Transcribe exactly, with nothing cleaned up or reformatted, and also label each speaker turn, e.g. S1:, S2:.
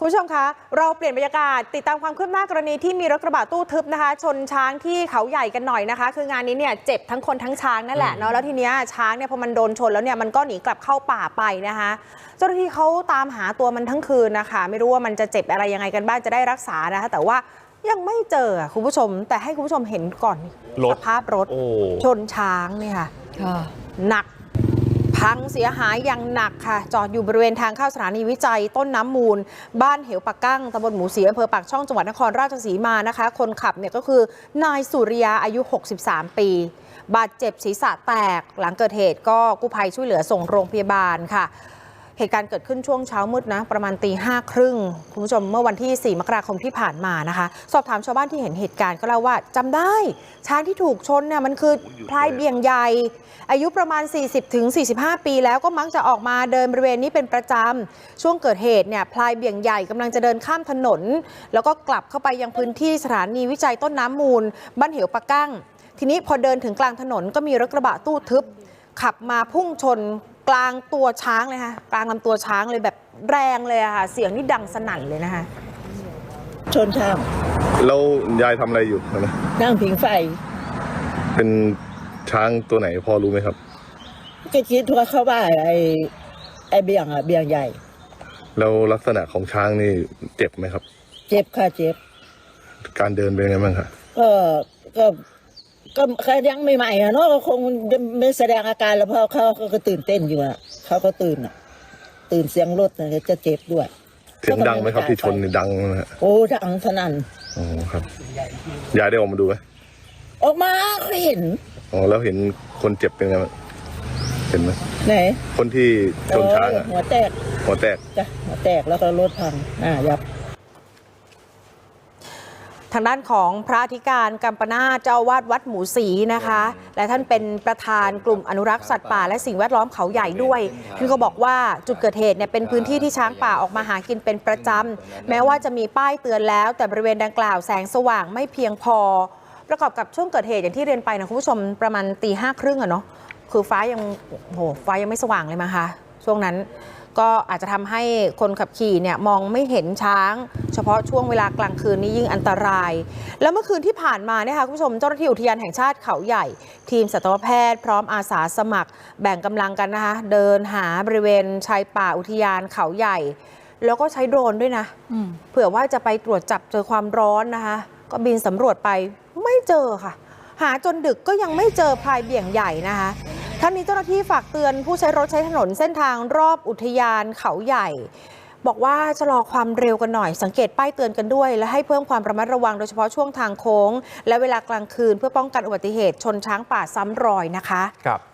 S1: คุณผู้ชมคะเราเปลี่ยนบรรยากาศติดตามความคืบหน้ากรณีที่มีรถกระบะตู้ทึบนะคะชนช้างที่เขาใหญ่กันหน่อยนะคะคืองานนี้เนี่ยเจ็บทั้งคนทั้งช้างนั่นแหละเนาะแล้วทีเนี้ยช้างเนี่ยพอมันโดนชนแล้วเนี่ยมันก็หนีกลับเข้าป่าไปนะคะเจ้าหน้าที่เขาตามหาตัวมันทั้งคืนนะคะไม่รู้ว่ามันจะเจ็บอะไรยังไงกันบ้างจะได้รักษานะคะแต่ว่ายังไม่เจอคุณผู้ชมแต่ให้คุณผู้ชมเห็นก่อนสภาพรถชนช้างเนี่ยค่ะหนักพังเสียหายอย่างหนักค่ะจอดอยู่บริเวณทางเข้าสถานีวิจัยต้นน้ำมูลบ้านเหวปากกั้งตำบลหมูศรีอำเภอปากช่องจังหวัดนครราชสีมานะคะคนขับเนี่ยก็คือนายสุริยาอายุหกสิบสามปีบาดเจ็บศีรษะแตกหลังเกิดเหตุก็กู้ภัยช่วยเหลือส่งโรงพยาบาลค่ะเหตุการณ์เกิดขึ้นช่วงเช้ามืดนะประมาณตีห้าครึ่งคุณผู้ชมเมื่อวันที่สี่มกราคมที่ผ่านมานะคะสอบถามชาวบ้านที่เห็นเหตุการณ์ก็เล่าว่าจำได้ช้างที่ถูกชนเนี่ยมันคือพลายเบี่ยงใหญ่อายุประมาณ สี่สิบถึงสี่สิบห้า ปีแล้วก็มักจะออกมาเดินบริเวณนี้เป็นประจำช่วงเกิดเหตุเนี่ยพลายเบี่ยงใหญ่กำลังจะเดินข้ามถนนแล้วก็กลับเข้าไปยังพื้นที่สถานีวิจัยต้นน้ำมูลบ้านเหวปากกั้งทีนี้พอเดินถึงกลางถนนก็มีรถกระบะตู้ทึบขับมาพุ่งชนกลางตัวช้างเลยค่ะกลางลำตัวช้างเลยแบบแรงเลยอะค่ะเสียงนี่ดังสนั่นเลยนะคะ
S2: ชนช้าง
S3: แล้วยายทำอะไรอยู่นะ
S2: นั่งผิงไฟ
S3: เป็นช้างตัวไหนพอรู้ไหมครับ
S2: ก็คิดว่าเขาว่าไอ้ไอ้เบี่ยงอ่ะเบี่ยงใหญ่
S3: แล้วลักษณะของช้างนี่เจ็บไหมครับ
S2: เจ็บค่ะเจ็บ
S3: การเดินเป็นไงบ้างครับ
S2: ก็ก็ก็แค่ยังใหม่ๆอ่ะเนาะก็คงไม่แสดงอาการแล้วเพราะเขาก็ตื่นเต้นอยู่อ่ะเขาก็ตื่นอ่ะตื่นเสียงรถจะเจ็บด้วย
S3: เสียงดังไหมครับที่ชนนี่ดังนะฮะ
S2: โอ้ดังสนั่น
S3: อ๋อครับยายได้ออกมาดูไหม
S2: ออกมาก็เห็น
S3: อ๋อแล้วเห็นคนเจ็บเป็นไงเห็นไหม
S2: ไหน
S3: คนที่ชนช้าง
S2: หัวแตก
S3: หัวแตก
S2: จ้ะหัวแตกแล้วก็รถพังอ่ายับ
S1: ทางด้านของพระอธิการกัมปนาถเจ้าอาวาสวัดหมูศรีนะคะและท่านเป็นประธานกลุ่มอนุรักษ์สัตว์ป่าและสิ่งแวดล้อมเขาใหญ่ด้วยท่านก็บอกว่าจุดเกิดเหตุเนี่ยเป็นพื้นที่ที่ช้างป่าออกมาหากินเป็นประจำแม้ว่าจะมีป้ายเตือนแล้วแต่บริเวณดังกล่าวแสงสว่างไม่เพียงพอประกอบกับช่วงเกิดเหตุอย่างที่เรียนไปนะคุณผู้ชมประมาณตีห้าครึ่งอะเนาะคือฟ้ายังโหฟ้ายังไม่สว่างเลยมั้งคะช่วงนั้นก็อาจจะทำให้คนขับขี่เนี่ยมองไม่เห็นช้างเฉพาะช่วงเวลากลางคืนนี้ยิ่งอันตรายแล้วเมื่อคืนที่ผ่านมาเนี่ยค่ะคุณผู้ชมเจ้าหน้าที่อุทยานแห่งชาติเขาใหญ่ทีมสัตวแพทย์พร้อมอาสาสมัครแบ่งกำลังกันนะคะเดินหาบริเวณชายป่าอุทยานเขาใหญ่แล้วก็ใช้โดรนด้วยนะเผื่อว่าจะไปตรวจจับเจอความร้อนนะคะก็บินสำรวจไปไม่เจอค่ะหาจนดึกก็ยังไม่เจอพลายเบี่ยงใหญ่นะคะท่านนี้เจ้าหน้าที่ฝากเตือนผู้ใช้รถใช้ถนนเส้นทางรอบอุทยานเขาใหญ่บอกว่าชะลอความเร็วกันหน่อยสังเกตป้ายเตือนกันด้วยและให้เพิ่มความระมัดระวังโดยเฉพาะช่วงทางโค้งและเวลากลางคืนเพื่อป้องกันอุบัติเหตุชนช้างป่าซ้ำรอยนะคะ
S4: ครับ